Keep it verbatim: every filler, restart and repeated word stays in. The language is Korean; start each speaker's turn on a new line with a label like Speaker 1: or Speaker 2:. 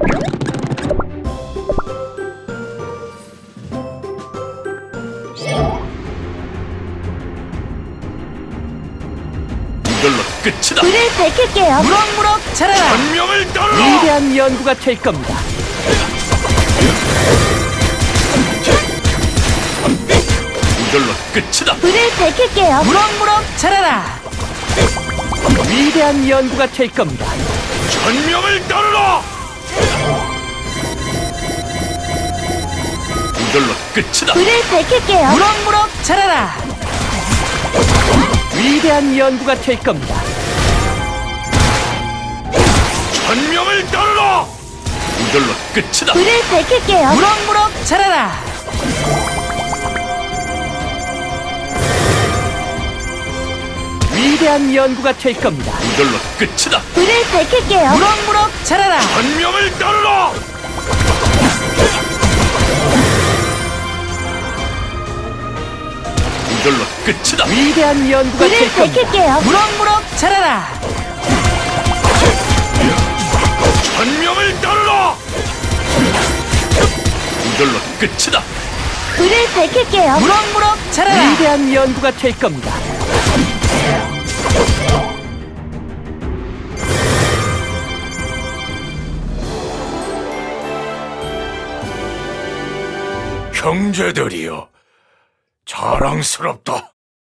Speaker 1: 이걸로 끝이다.
Speaker 2: 불을 밝힐게요.
Speaker 3: 무럭무럭 자라라.
Speaker 1: 천명을 따르라.
Speaker 3: 위대한 연구가 될 겁니다.
Speaker 1: 이걸로 끝이다.
Speaker 2: 불을 밝힐게요.
Speaker 3: 무럭무럭 자라라. 위대한 연구가 될 겁니다.
Speaker 1: 천명을 따르라. 이걸로 끝이다.
Speaker 2: 불을 밝힐게요.
Speaker 3: 무럭무럭 자라라. 위대한 연구가 될 겁니다.
Speaker 1: 천명을 따르라. 이걸로 끝이다.
Speaker 2: 불을 밝힐게요.
Speaker 3: 무럭무럭 자라라. 위대한 연구가 될 겁니다.
Speaker 1: 이걸로 끝이다.
Speaker 2: 불을 밝힐게요.
Speaker 3: 무럭무럭 자라라.
Speaker 1: 천명을 따르라. 이걸로 끝이다.
Speaker 3: 위대한 연구가
Speaker 2: 불을
Speaker 3: 될 겁니다.
Speaker 2: 밝힐게요.
Speaker 3: 무럭무럭 자라라.
Speaker 1: 천명을 따르라. 이걸로 끝이다.
Speaker 2: 불을 밝힐게요.
Speaker 3: 무럭무럭 자라라. 위대한 연구가 될 겁니다.
Speaker 1: 형제들이여, 자랑스럽다.